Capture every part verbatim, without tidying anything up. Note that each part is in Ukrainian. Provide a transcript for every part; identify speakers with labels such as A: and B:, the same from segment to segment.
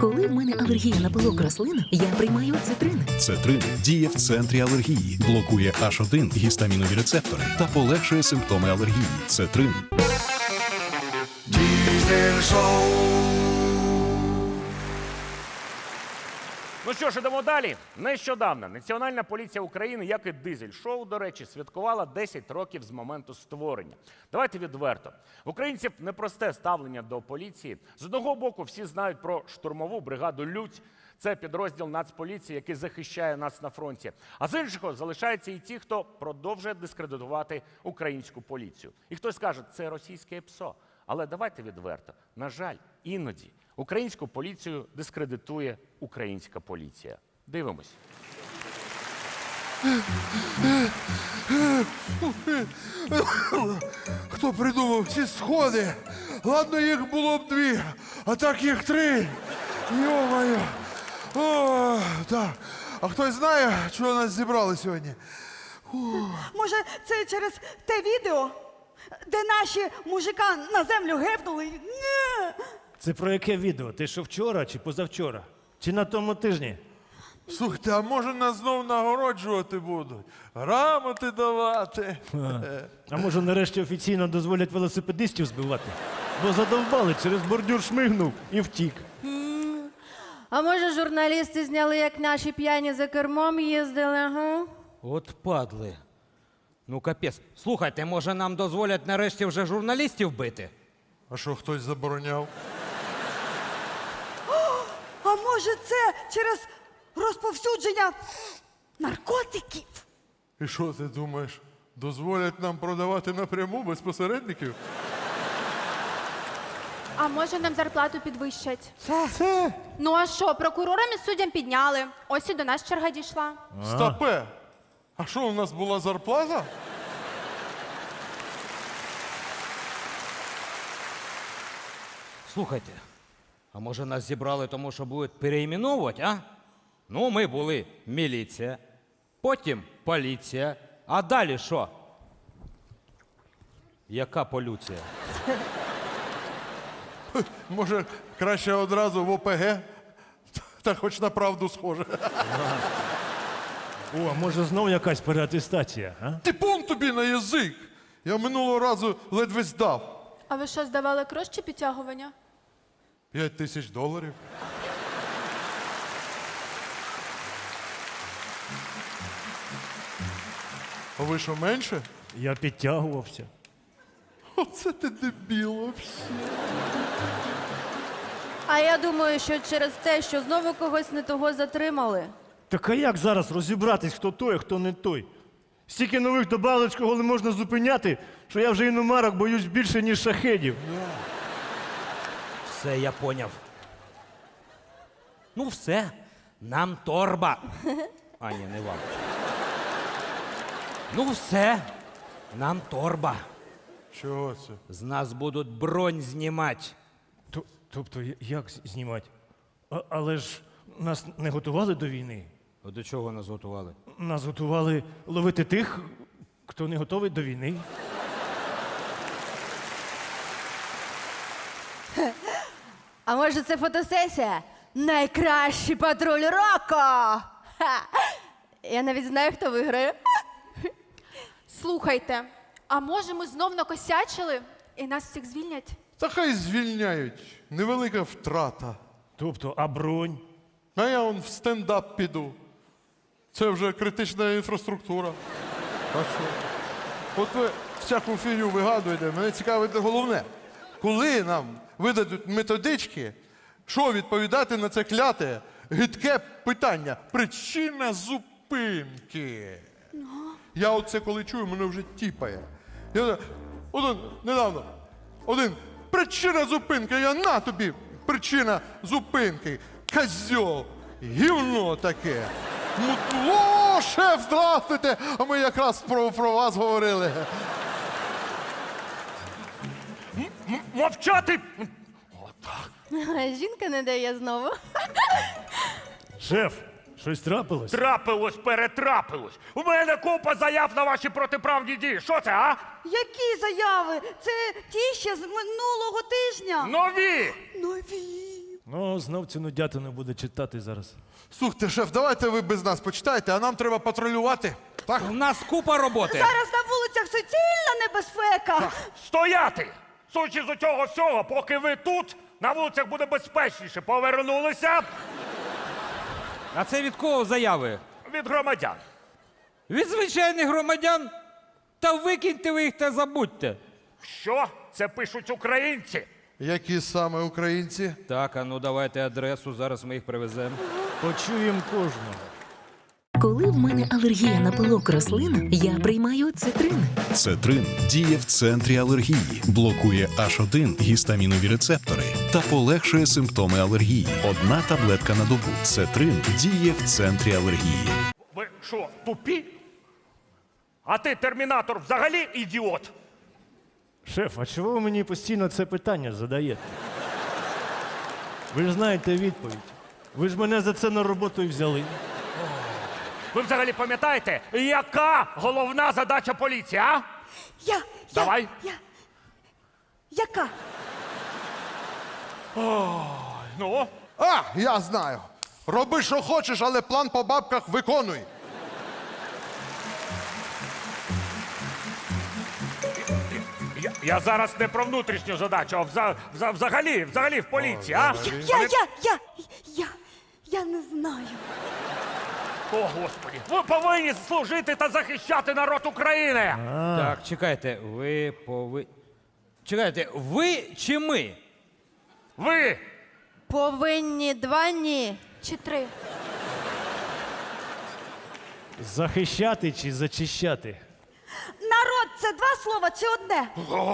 A: Коли в мене алергія на пилок рослин, я приймаю цитрин.
B: Цетрин діє в центрі алергії, блокує аш один гістамінові рецептори та полегшує симптоми алергії. Цетрин.
C: Diesel Show.
D: Ну що ж, ідемо далі. Нещодавно Національна поліція України, як і Дизель-шоу, до речі, святкувала десять років з моменту створення. Давайте відверто. В українців непросте ставлення до поліції. З одного боку, всі знають про штурмову бригаду «Людь». Це підрозділ Нацполіції, який захищає нас на фронті. А з іншого залишаються і ті, хто продовжує дискредитувати українську поліцію. І хтось скаже, це російське ПСО. Але давайте відверто. На жаль, іноді українську поліцію дискредитує українська поліція. Дивимось.
C: Хто придумав ці сходи? Ладно, їх було б дві, а так їх три. Йо-моє. О, так. А хтось знає, чого нас зібрали сьогодні?
E: Може, це через те відео, де наші мужика на землю гепнули? Ні.
F: Це про яке відео? Ти що вчора чи позавчора? Чи на тому тижні?
C: Слухайте, а може нас знов нагороджувати будуть? Грамоти давати?
F: А може нарешті офіційно дозволять велосипедистів збивати? Бо задовбали, через бордюр шмигнув і втік.
G: А може журналісти зняли, як наші п'яні за кермом їздили, ага?
H: От падли. Ну, капець. Слухайте, може нам дозволять нарешті вже журналістів бити?
C: А що, хтось забороняв?
E: А може, це через розповсюдження наркотиків?
C: І що ти думаєш? Дозволять нам продавати напряму без посередників?
I: А може нам зарплату підвищать?
C: Це?
I: Ну а що, прокурорам і суддям підняли. Ось і до нас черга дійшла.
C: Стопе! А що, у нас була зарплата?
H: Слухайте, а може нас зібрали тому, що будуть переіменовувати, а? Ну, ми були міліція, потім поліція, а далі що? Яка полюція?
C: Може, краще одразу в О Пе Ге? Та хоч на правду схоже.
F: О, а може знов якась переатестація, а?
C: Типун тобі на язик! Я минулого разу ледве здав.
I: А ви що, здавали крос чи підтягування?
C: П'ять тисяч доларів. А ви що, менше?
F: Я підтягувався.
C: Оце ти дебіл вообще.
G: А я думаю, що через те, що знову когось не того затримали.
F: Так а як зараз розібратись, хто той, а хто не той? Стільки нових добавок, кого не можна зупиняти, що я вже іномарок боюсь більше, ніж шахедів.
H: Все, я поняв. Ну все, нам торба. А, ні, не вам. Ну все, нам торба.
C: Чого це?
H: З нас будуть бронь знімати.
F: Т- Тобто, я- як з- знімати? А- але ж нас не готували до війни.
H: А до чого нас готували?
F: Нас готували ловити тих, хто не готовий до війни.
G: А може це фотосесія? Найкращий патруль року! Ха! Я навіть знаю, хто виграє.
I: Слухайте, а може ми знов накосячили і нас всіх звільнять?
C: Та хай звільняють. Невелика втрата.
F: Тобто, а бронь?
C: А я он в стендап піду. Це вже критична інфраструктура. А що? От ви всяку фігню вигадуєте, мене цікавить головне. Коли нам видадуть методички, що відповідати на це кляте, гидке питання? Причина зупинки. Я оце коли чую, мене вже тіпає. Я один, недавно, один, причина зупинки, я на тобі, причина зупинки. Козьол, гівно таке. Мутло, шеф, здравствуйте, а ми якраз про, про вас говорили.
D: Мовчати!
G: Жінка не дає знову.
F: Шеф, щось трапилось?
D: Трапилось, перетрапилось. У мене купа заяв на ваші протиправні дії. Що це, а?
E: Які заяви? Це ті ще з минулого тижня.
D: Нові!
E: Нові.
F: Ну, знов цю нудятину буде читати зараз.
C: Слухайте, шеф, давайте ви без нас почитайте, а нам треба патрулювати. Так?
H: У нас купа роботи.
E: Зараз на вулицях суцільна небезпека.
D: Стояти! Судячи з цього всього, поки ви тут, на вулицях буде безпечніше. Повернулися
H: А це від кого заяви?
D: від громадян.
H: Від звичайних громадян? Та викиньте ви їх та забудьте.
D: Що? Це пишуть українці.
C: Які саме українці?
H: Так, а ну давайте адресу, зараз ми їх привеземо.
F: Почуємо кожного.
A: Коли в мене алергія на пилок рослин, я приймаю цитрин.
B: Цетрин діє в центрі алергії, блокує аш один гістамінові рецептори та полегшує симптоми алергії. Одна таблетка на добу. Цетрин діє в центрі алергії.
D: Ви що, тупі? А ти, термінатор, взагалі ідіот?
F: Шеф, а чого ви мені постійно це питання задаєте? Ви ж знаєте відповідь. Ви ж мене за це на роботу і взяли.
D: Ви взагалі пам'ятаєте, яка головна задача поліції, а?
E: Я, я,
D: Давай.
E: я. Яка?
D: Ну?
C: А, я знаю. Роби, що хочеш, але план по бабках виконуй.
D: Я, я зараз не про внутрішню задачу, а вза, вза, взагалі, взагалі в поліції, а?
E: Я, я, я, я, я не знаю.
D: О, Господі, ви повинні служити та захищати народ України.
H: Так, чекайте, ви пови... Чекайте, ви чи ми?
D: Ви!
G: Повинні два ні.
I: Чи три?
F: Захищати чи зачищати?
E: Народ це два слова чи одне?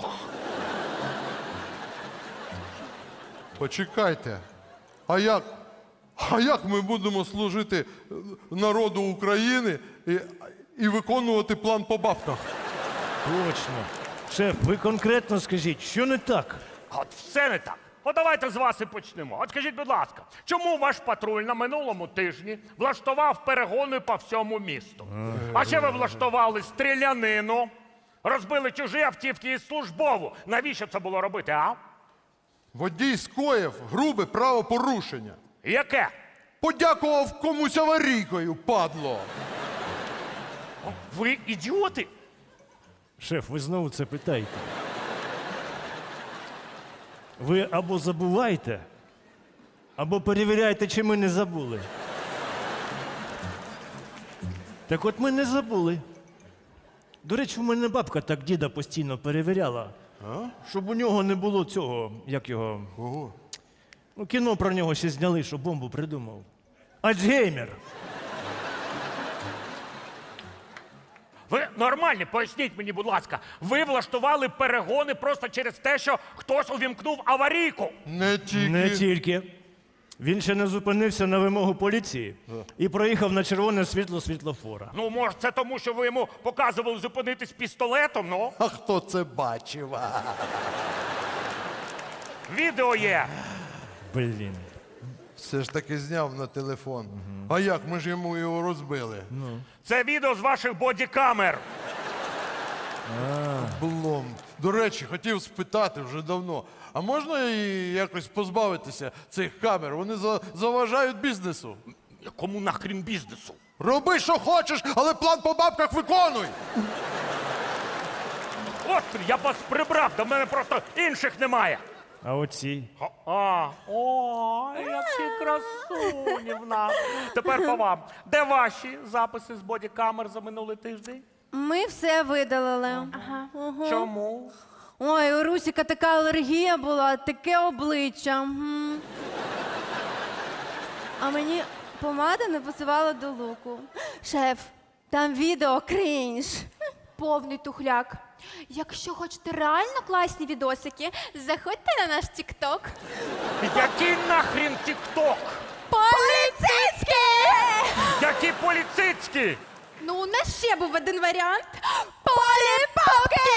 C: Почекайте. А як? А як ми будемо служити е, народу України і, і виконувати план по бабках?
F: Точно. Шеф, ви конкретно скажіть, що не так?
D: От все не так. От давайте з вас і почнемо. От скажіть, будь ласка, чому ваш патруль на минулому тижні влаштував перегони по всьому місту? А ще ви влаштували стрілянину, розбили чужі автівки і службову. Навіщо це було робити, а?
C: Водій скоїв грубе правопорушення.
D: Яке?
C: Подякував комусь аварійкою, падло.
D: Ви ідіоти?
F: Шеф, ви знову це питаєте. Ви або забуваєте, або перевіряєте, чи ми не забули. Так от ми не забули. До речі, в мене бабка так діда постійно перевіряла, щоб у нього не було цього, як його.
C: Ого.
F: Ну, кіно про нього ще зняли, що бомбу придумав. Альцгеймер.
D: Ви нормальні, поясніть мені, будь ласка. Ви влаштували перегони просто через те, що хтось увімкнув аварійку.
C: Не тільки.
F: Не тільки. Він ще не зупинився на вимогу поліції і проїхав на червоне світло світлофора.
D: Ну, може, це тому, що ви йому показували зупинитись пістолетом, ну?
C: А хто це бачив? А?
D: Відео є.
F: Блін.
C: Все ж таки зняв на телефон. А як? Ми ж йому його розбили.
D: Це відео з ваших бодікамер.
C: Блом. До речі, хотів спитати вже давно. А можна і якось позбавитися цих камер? Вони за- заважають бізнесу.
D: Кому нахрін бізнесу?
C: Роби, що хочеш, але план по бабках виконуй.
D: Господи, я б вас прибрав, до мене просто інших немає.
F: А оці?
D: А, о, які красуні в нас. Тепер по вам. Де ваші записи з бодікамер за минулий тиждень?
G: Ми все видалили.
D: Чому?
G: Ой, у Русіка така алергія була, таке обличчя. Мгм. А мені помада не пасувала до луку. Шеф, там відео крінж.
I: Повний тухляк. Якщо хочете реально класні відосики, заходьте на наш тік-ток.
D: Який нахрін тік-ток?
I: Поліцейський!
D: Які поліцейські?
I: Ну, у нас ще був один варіант. Поліпопки!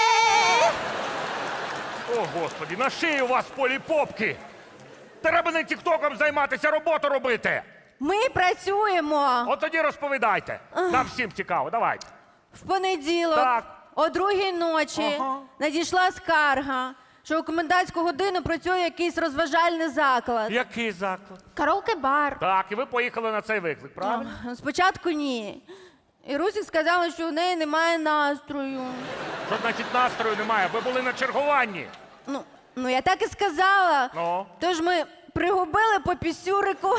D: О, Господи, на шиї у вас поліпопки. Треба не тік-током займатися, роботу робити.
G: Ми працюємо.
D: От тоді розповідайте. Нам всім цікаво, давайте.
G: В понеділок
D: Так.
G: о другій ночі
D: Ага.
G: надійшла скарга що у комендантську годину працює якийсь розважальний заклад.
D: Який заклад?
I: Караоке-бар.
D: Так, і ви поїхали на цей виклик, правильно?
G: Ну, спочатку ні. І Русік сказала, що у неї немає настрою.
D: Що значить настрою немає? Ви були на чергуванні.
G: Ну, ну я так і сказала.
D: Ну?
G: Тож ми пригубили по пісюрику.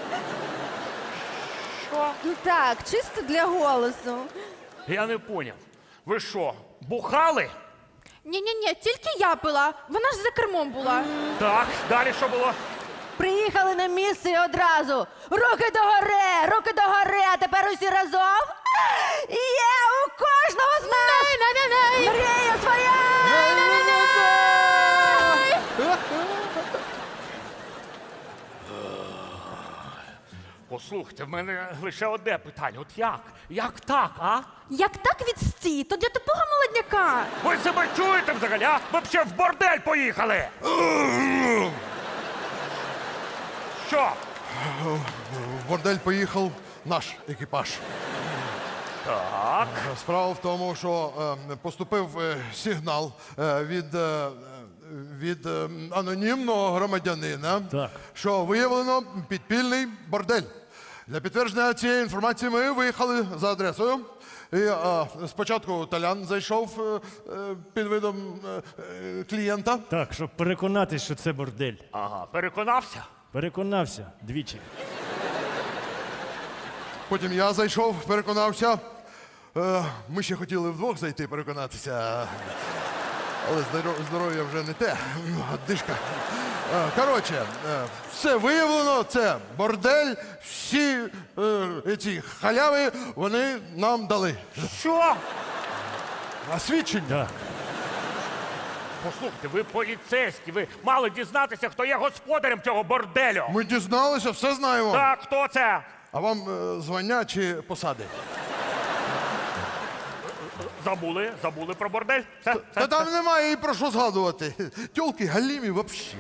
D: Що?
G: Ну так, чисто для голосу.
D: Я не поняв. Ви що, бухали?
I: Ні-ні-ні, тільки я пила. Вона ж за кермом була.
D: Так, далі що було?
G: Приїхали на місце і одразу. Руки догори, руки догори, а тепер усі разом. Є у кожного з нас мрія своя!
D: Послухайте, в мене лише одне питання. От як? Як так, а?
I: Як так відстій, то для тупого молодняка.
D: Ви себе чуєте взагалі, а? Ви б ще в бордель поїхали! Що?
C: В бордель поїхав наш екіпаж.
D: Так.
C: Справа в тому, що е, поступив е, сигнал е, від, е, від е, анонімного громадянина,
F: Так.
C: що виявлено підпільний бордель. Для підтвердження цієї інформації ми виїхали за адресою. І, е, спочатку Толян зайшов е, е, під видом е, е, клієнта.
F: Так, щоб переконатись, що це бордель.
D: Ага, переконався?
F: Переконався двічі.
C: Потім я зайшов, переконався. Е, Ми ще хотіли вдвох зайти, переконатися. Але здоро- здоров'я вже не те. Дишка. Е, Коротше, е, все виявлено, це бордель, всі е, ці халяви вони нам дали.
D: Що?
C: А свідчення?
F: Так.
D: Послухайте, ви поліцейські, ви мали дізнатися, хто є господарем цього борделю.
C: Ми дізналися, все знаємо.
D: Так, хто це?
C: А вам е, звання чи посади?
D: Забули, забули про бордель? Це, це,
C: Та там немає і про що згадувати. Тьолки галімі взагалі.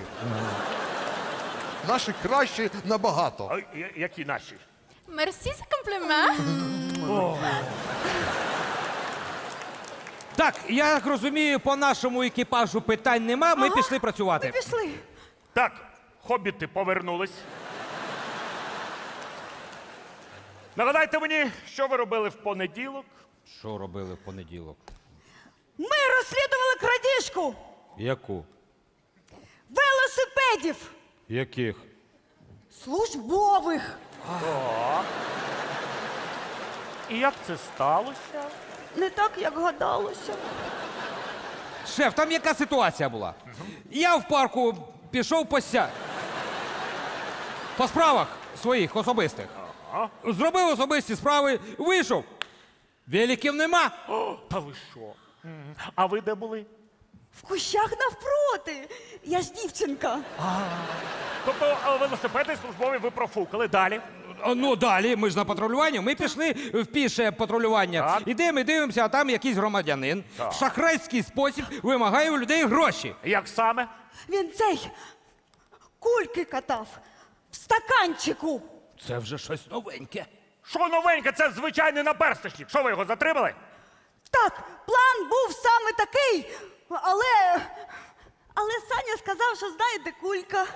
C: Наші кращі набагато.
D: А, я- які наші?
I: Мерсі за комплімент.
H: Так, я так розумію, по нашому екіпажу питань нема, ми пішли працювати.
E: Пішли.
D: Так, хобіти повернулись. Нагадайте мені, що ви робили в понеділок?
H: Що робили в понеділок?
E: Ми розслідували крадіжку
H: Яку?
E: велосипедів
H: Яких?
E: службових.
D: І як це сталося?
E: Не так, як гадалося.
H: Шеф, там яка ситуація була? Я в парку пішов пося. По справах своїх особистих. Зробив особисті справи, вийшов. Великів нема.
D: О, та ви що? М, А ви де були?
E: В кущах навпроти. Я ж дівчинка.
D: Тобто а, велосипеди службові ви профукали. Далі.
H: А, Ну далі, ми ж на патрулювання. Ми пішли в піше патрулювання.
D: Так.
H: Ідемо і дивимося, а там якийсь громадянин в шахрайський спосіб вимагає у людей гроші.
D: Як саме?
E: Він цей кульки катав в стаканчику.
H: Це вже щось новеньке.
D: Що новеньке? Це звичайний наперсточник. Що ви його затримали?
E: Так, план був саме такий, але. Але Саня сказав, що знає, де кулька.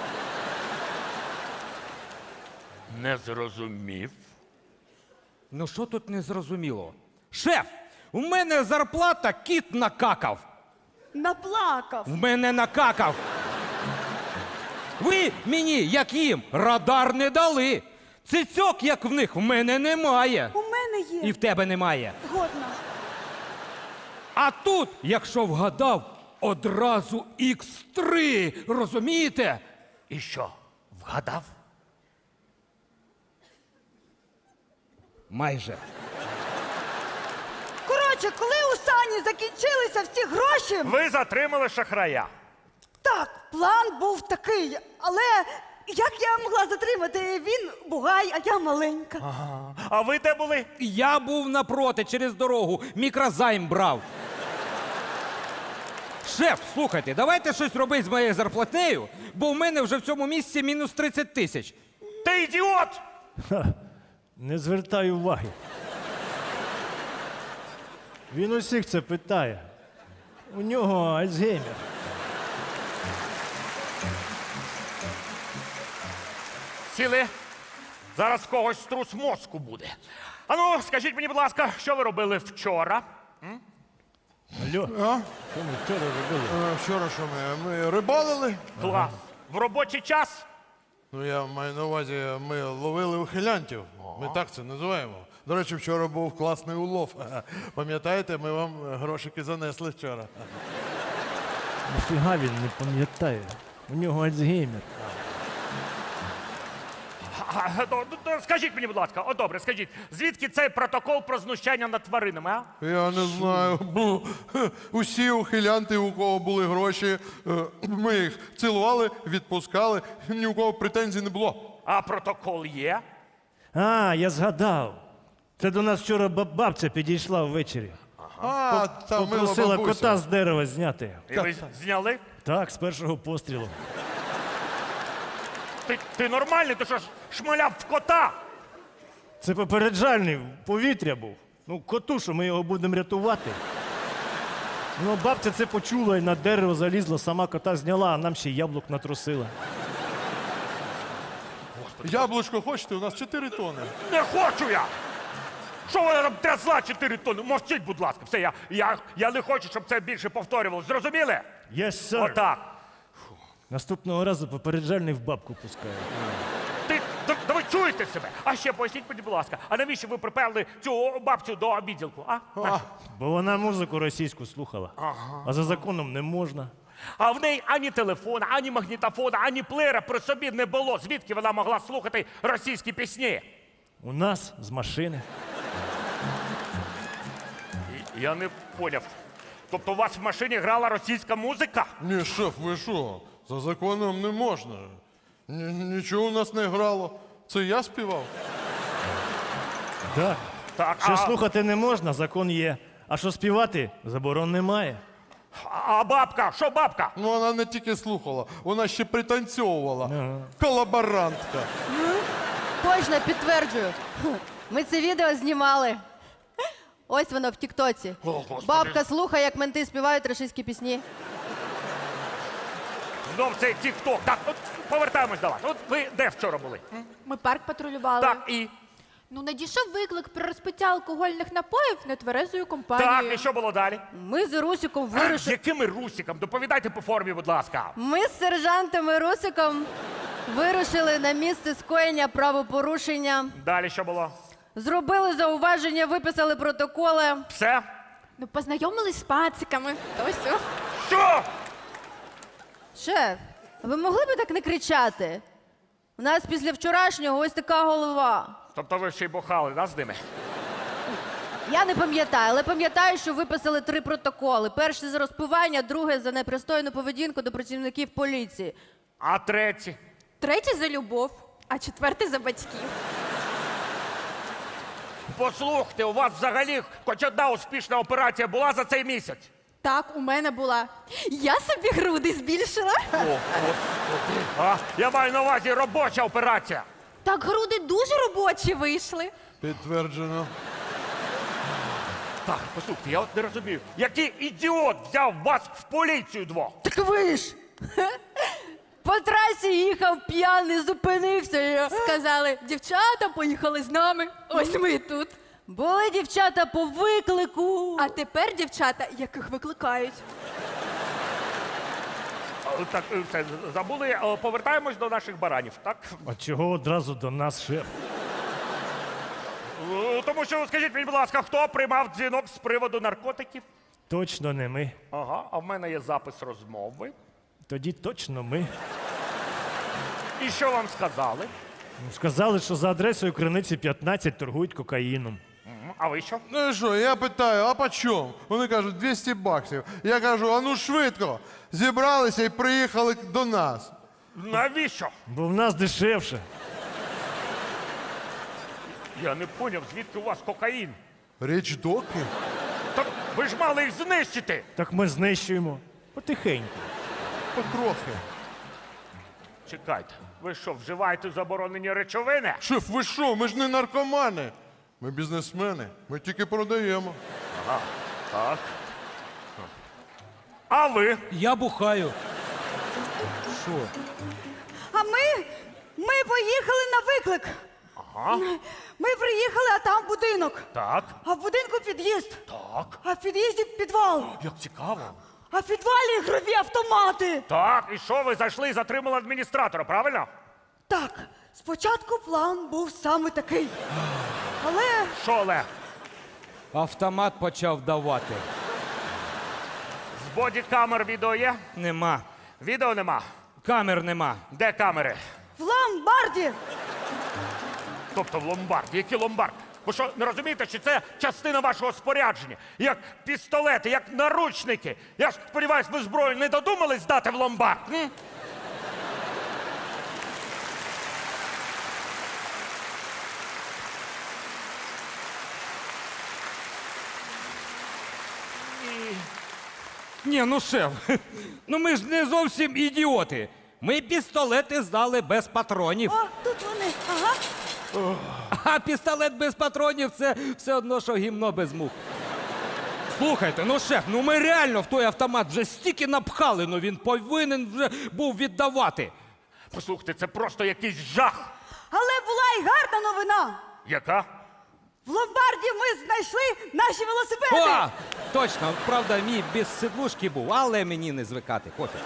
D: Не зрозумів.
H: Ну що тут не зрозуміло? Шеф, у мене зарплата кіт накакав.
E: Наплакав.
H: В мене накакав. Ви мені, як їм, радар не дали. Цицьок, як в них, в мене немає.
E: У мене є.
H: І в тебе немає.
E: Годна.
H: А тут, якщо вгадав, одразу ікс три. Розумієте?
D: І що? Вгадав?
H: Майже.
E: Коротше, коли у Сані закінчилися всі гроші,
D: Ви затримали шахрая.
E: так, план був такий, але як я могла затримати? Він бугай, а я маленька.
D: А ви де були?
H: Я був напроти, через дорогу, мікрозайм брав. Шеф, слухайте, давайте щось робити з моєю зарплатнею, бо в мене вже в цьому місці мінус тридцять тисяч.
D: Ти ідіот!
F: Не звертай уваги. Він усіх це питає. У нього Альцгеймер.
D: сіли. Зараз в когось струс мозку буде. Ану, скажіть мені, будь ласка, що ви робили вчора?
F: Алло,
C: А?
F: що ми вчора робили?
C: Е, Вчора що ми? Ми рибалили?
D: Клас. В робочий час?
C: Ну, я маю на увазі, ми ловили ухилянтів. Ми так це називаємо. До речі, вчора був класний улов. Пам'ятаєте, ми вам грошики занесли вчора.
F: Нафіга він не пам'ятає. У нього Альцгеймер.
D: А, то- то- то Скажіть мені, будь ласка, о добре, скажіть, звідки цей протокол про знущання над тваринами, а?
C: Я не знаю. Бу, усі ухилянти, у кого були гроші, е, ми їх цілували, відпускали, ні у кого претензій не було.
D: А протокол є?
F: А, я згадав. Це до нас вчора баб- бабця підійшла ввечері.
C: А, та мила
F: Попросила
C: бабуся.
F: кота з дерева зняти.
D: І ви зняли?
F: Так, з першого пострілу.
D: Ти, ти нормальний? Ти що ж шмаляв в кота?
F: Це попереджальний повітря був. Ну, коту, що ми його будемо рятувати. Ну, бабця це почула і на дерево залізла, сама кота зняла, а нам ще й яблук натрусила.
C: Яблучко хочете? У нас чотири тони.
D: Не хочу я! Що вона там трясла чотири тонни? Мовчіть, будь ласка. Все, я, я, я не хочу, щоб це більше повторювалося. Зрозуміли?
F: Yes, sir.
D: Отак.
F: Наступного разу попереджальний в бабку пускає.
D: Ти, да, да ви чуєте себе? А ще поясніть мені, будь ласка, а навіщо ви приперли цю бабцю до відділку, а?
C: А,
F: Бо вона музику російську слухала. А за законом не можна.
D: А в неї ані телефона, ані магнітофона, ані плеєра при собі не було. Звідки вона могла слухати російські пісні?
F: У нас з машини.
D: І- Я не поняв. Тобто у вас в машині грала російська музика?
C: ні, шеф, ви що? За законом не можна. Ні- Нічого у нас не грало. Це я співав.
F: Так.
D: Так,
F: Що
D: а,
F: слухати не можна, закон є. А що співати, заборон немає.
D: а бабка? Що бабка?
C: Ну, вона не тільки слухала, вона ще пританцьовувала. Колаборантка.
G: Точно підтверджую. Ми це відео знімали. Ось воно в Тіктоці.
D: О, Господи.
G: Бабка слухає, як менти співають російські пісні.
D: Знов цей тік-ток. Так, от повертаємось до вас. От ви де вчора були?
I: Ми парк патрулювали.
D: Так, і?
I: Ну, надійшов виклик про розпиття алкогольних напоїв нетверезою
D: Так,
I: компанією.
D: і що було далі?
G: Ми з Русиком
D: З
G: вирушили.
D: якими русиком? Доповідайте по формі, будь ласка.
G: Ми з сержантом і Русиком вирушили на місце скоєння правопорушення.
D: Далі що було?
G: Зробили зауваження, виписали протоколи.
D: Все?
I: Ну, познайомились з пациками. То все.
D: Що?
G: Шеф, ви могли б так не кричати? У нас після вчорашнього ось така голова.
D: Тобто ви ще й бухали, да, з ними?
G: Я не пам'ятаю, але пам'ятаю, що виписали три протоколи. Перший за розпивання, другий за непристойну поведінку до працівників поліції.
D: А третій?
I: Третій за любов, а четвертий за батьків.
D: Послухайте, у вас взагалі хоч одна успішна операція була за цей місяць?
I: Так, у мене була. Я собі груди збільшила.
D: О, о, о. А, я маю на увазі робоча операція.
I: Так груди дуже робочі вийшли.
C: Підтверджено.
D: Так, послухайте, я от не розумію, який ідіот взяв вас в поліцію двох?
G: Так ви ж! По трасі їхав п'яний, зупинився. і-
I: Сказали, дівчата поїхали з нами. Ось ми і тут.
G: Були дівчата по виклику.
I: А тепер дівчата, яких викликають.
D: А, Так, е, все, забули, Е, повертаємось до наших баранів, так?
F: А чого одразу до нас, шеф?
D: Е, Тому що, скажіть мені, будь ласка, хто приймав дзвінок з приводу наркотиків?
F: Точно не ми.
D: Ага, а в мене є запис розмови.
F: Тоді точно ми.
D: І що вам сказали?
F: Ну, сказали, що за адресою Криниці п'ятнадцять торгують кокаїном.
D: М, А ви що?
C: Ну і що, я питаю, а по чому? Вони кажуть, двісті баксів. Я кажу, а ну швидко. Зібралися і приїхали до нас.
D: Навіщо?
F: Бо в нас дешевше.
D: Я не поняв, звідки у вас кокаїн?
C: Річ доки?
D: Так ви ж мали їх знищити.
F: Так ми знищуємо. Потихеньку.
C: Потрохи.
D: Чекайте, ви що, вживаєте заборонені речовини?
C: Шеф, ви що? Ми ж не наркомани. Ми бізнесмени. Ми тільки продаємо.
D: Так. А ви?
H: Я бухаю. Що?
E: А ми Ми поїхали на виклик.
D: Ага.
E: Ми приїхали, а там будинок.
D: Так,
E: А в будинку під'їзд.
D: так.
E: А в під'їзді підвал.
D: Як цікаво.
E: А в підвалі ігрові автомати.
D: Так, і що, ви зайшли і затримали адміністратора, правильно?
E: Так, спочатку план був саме такий. Але
D: Що, Олег?
H: Автомат почав давати.
D: З бодікамер відео є?
H: Нема.
D: Відео нема.
H: Камер нема.
D: Де камери?
E: в ломбарді.
D: Тобто в ломбард. Який ломбард? Ви що, не розумієте, що це частина вашого спорядження? Як пістолети, як наручники. Я ж сподіваюсь, ви зброю не додумались здати в ломбард? М?
H: Ні, ну шеф, ну ми ж не зовсім ідіоти. Ми пістолети здали без патронів.
E: О, тут вони. Ага.
H: А пістолет без патронів це все одно, що гімно без мух. Слухайте, ну шеф, ну ми реально в той автомат вже стільки напхали, ну він повинен вже був віддавати.
D: Послухайте, це просто якийсь жах.
E: Але була й гарна новина.
D: Яка?
E: В ломбарді ми знайшли наші велосипеди.
H: О, точно, правда, мій без сидлушки був, але мені не звикати. Пофіг.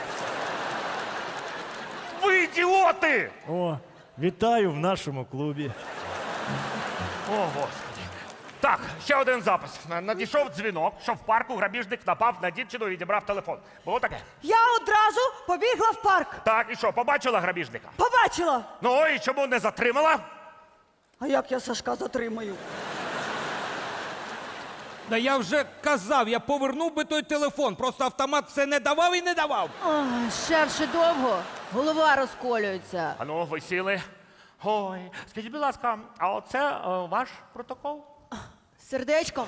D: Ви ідіоти!
F: О, вітаю в нашому клубі.
D: О, Господи. Так, ще один запис. На- Надійшов дзвінок, що в парку грабіжник напав на дівчину і відібрав телефон. Було таке?
E: Я одразу побігла в парк.
D: Так, і що, побачила грабіжника?
E: Побачила.
D: Ну і чому не затримала?
E: А як я Сашка затримаю?
H: Да я вже казав, я повернув би той телефон, просто автомат все не давав і не давав.
G: Ой, шеф, ще довго. Голова розколюється.
D: Ану, ви сіли. Ой, скажіть, будь ласка, а оце е, ваш протокол?
G: Сердечком.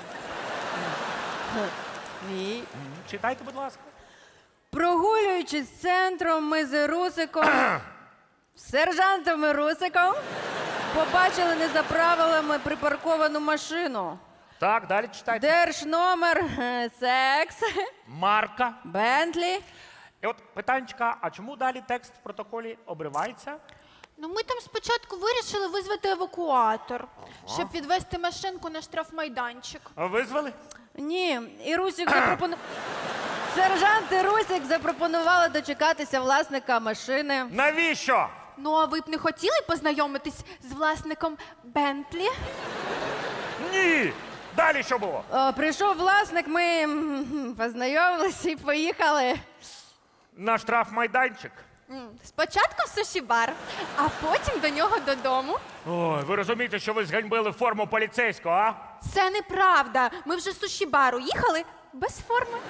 G: Ні.
D: Читайте, будь ласка.
G: Прогулюючись центром, ми з Русиком, з сержантом і Русиком, побачили не за правилами припарковану машину.
D: Так, далі читайте.
G: Держномер, е, секс,
D: Марка.
G: Бентлі.
D: І от питанечка, а чому далі текст в протоколі обривається?
I: Ну, ми там спочатку вирішили визвати евакуатор, щоб відвести машинку на штрафмайданчик.
D: А Визвали?
G: Ні, і Русик запропонував. Сержант і Русик запропонували дочекатися власника машини.
D: Навіщо?
I: Ну, а ви б не хотіли познайомитись з власником Бентлі?
D: Ні! Далі що було?
G: О, прийшов власник, ми м, познайомилися і поїхали.
D: На штрафмайданчик.
I: М, Спочатку в суші-бар, а потім до нього додому.
D: Ой, ви розумієте, що ви зганьбили форму поліцейського, а?
I: Це неправда. Ми вже з суші-бару їхали без форми.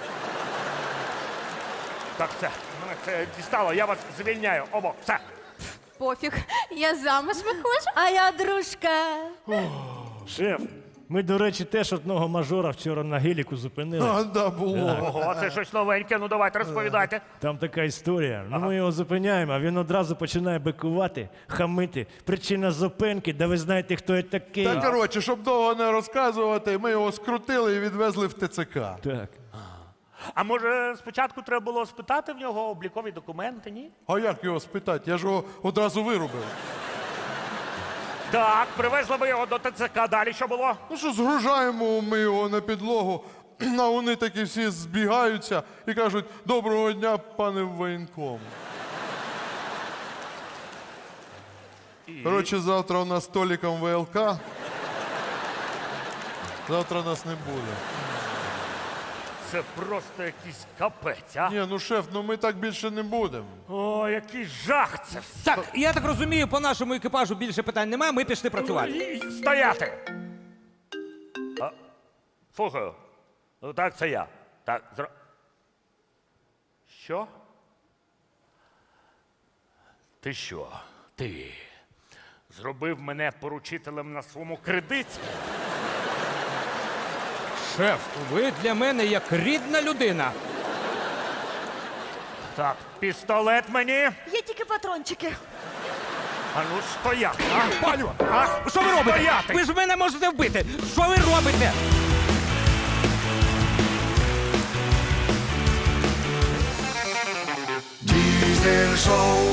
D: Так, все, мене це дістало, я вас звільняю. Обох, все.
I: Пофіг, я замуж виходжу.
G: А я дружка.
F: Шеф, ми, до речі, теж одного мажора вчора на геліку зупинили.
C: А, да, було.
D: Ого, це щось новеньке, ну давайте розповідайте.
F: Там така історія. Ну, ми його зупиняємо, а він одразу починає бикувати, хамити. Причина зупинки, да ви знаєте, хто я такий.
C: Та коротше, щоб довго не розказувати, ми його скрутили і відвезли в ТЦК.
F: Так.
D: А може спочатку треба було спитати в нього облікові документи, ні?
C: А як його спитати? Я ж його одразу вирубив.
D: Так, привезли ви його до ТЦК, далі що було?
C: Ну що, згружаємо ми його на підлогу, а вони такі всі збігаються і кажуть: доброго дня, пане воєнком. Коротше, завтра у нас з Толіком ВЛК. Завтра нас не буде.
D: Це просто якийсь капець, а?
C: Ні, ну шеф, ну ми так більше не будемо.
D: О, який жах це все.
H: Так, я так розумію, по нашому екіпажу більше питань немає, ми пішли працювати.
D: І- Стояти! А, слухаю. Ну так, це я. Так, зро... Що? Ти що? Ти зробив мене поручителем на своєму кредиті?
H: Шеф, ви для мене як рідна людина.
D: Так, пістолет мені.
E: Є тільки патрончики.
D: А ну стояти. А,
H: Паню,
D: а,
H: що ви робите?
D: Стояти!
H: Ви ж мене можете вбити. Що ви робите?
J: Diesel Show.